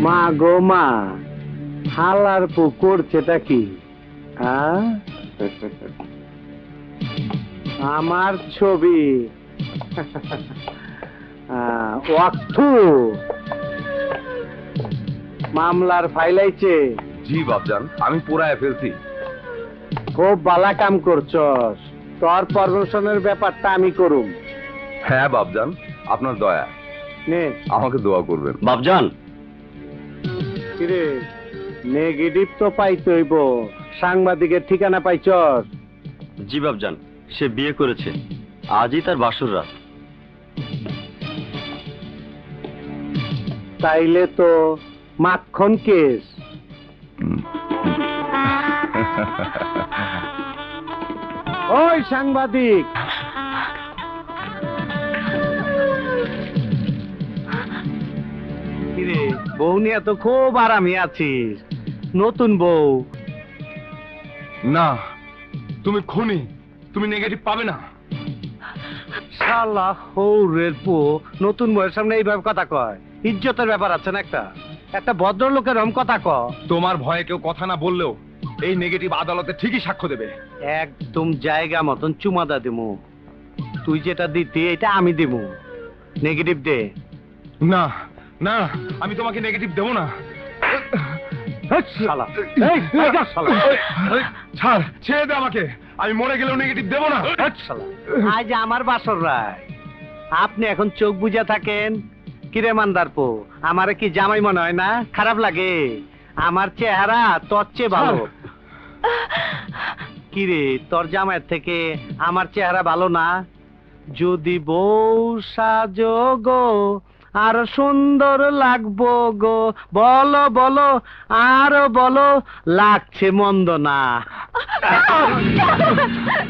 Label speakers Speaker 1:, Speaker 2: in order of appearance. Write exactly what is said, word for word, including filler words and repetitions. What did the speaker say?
Speaker 1: মা গো মা, হালার পু করছেটা কি? আমার ছবি ওয়াক্তু মামলার ফাইলাইছে।
Speaker 2: জি বাপজান, আমি পুরায় ফেলছি।
Speaker 1: খুব বালা কাম করছস, তোর পারমিশনের ব্যাপারটা আমি করুম।
Speaker 2: হ্যাঁ বাপজান, আপনার দয়া,
Speaker 1: নে
Speaker 2: আমাকে দোয়া করবেন
Speaker 3: বাপজান।
Speaker 1: কিরে, নেগেটিভ তো পাইতে হইব, সাংবাদিকের ঠিকানা পাইছস?
Speaker 3: জি বাপজান, সে বিয়ে করেছে, আজই তার বাসর রাত।
Speaker 1: তাইলে তো মাখন কেস। ওই সাংবাদিক, কিরে বউ নিয়ে তো খুব আরামে আছিস, নতুন বউ?
Speaker 2: না, তুমি খুনি, তুমি নেগেটিভ পাবে না।
Speaker 1: শালা হৌরের পো, নতুন বউয়ের সামনে এইভাবে কথা কয়? ইজ্জতের ব্যাপার আছে না একটা? একটা ভদ্রলোকের রকম কথা ক।
Speaker 2: তোমার ভয়ে কেউ কথা না বললেও এই নেগেটিভ আদালতে ঠিকই সাক্ষ্য দেবে।
Speaker 1: একদম জায়গা মতন চুমাদা দিমু। তুই যেটা দিতি এটা আমি দিমু। নেগেটিভ দে।
Speaker 2: না না, আমি তোমাকে নেগেটিভ দেবো না।
Speaker 1: শালা, এই, এই যা শালা।
Speaker 2: ছাড়, ছেড়ে দে আমাকে, আমি মরে গেলেও নেগেটিভ দেবো না।
Speaker 1: শালা, আজ আমার বাসর রায়, আপনি এখন চোখ বুঝা থাকেন? কিরে মান্দার পো, আমারে কি জামাই মনে হয় না? খারাপ লাগে? আমার চেহারা তোর চেয়ে ভালো। কিরে, তোর জামাইয়ের থেকে আমার চেহারা ভালো না? যদি বউ সাজো গো, আর সুন্দর লাগবো গো, বলো বলো, আরো বলো, লাগছে মন্দ না।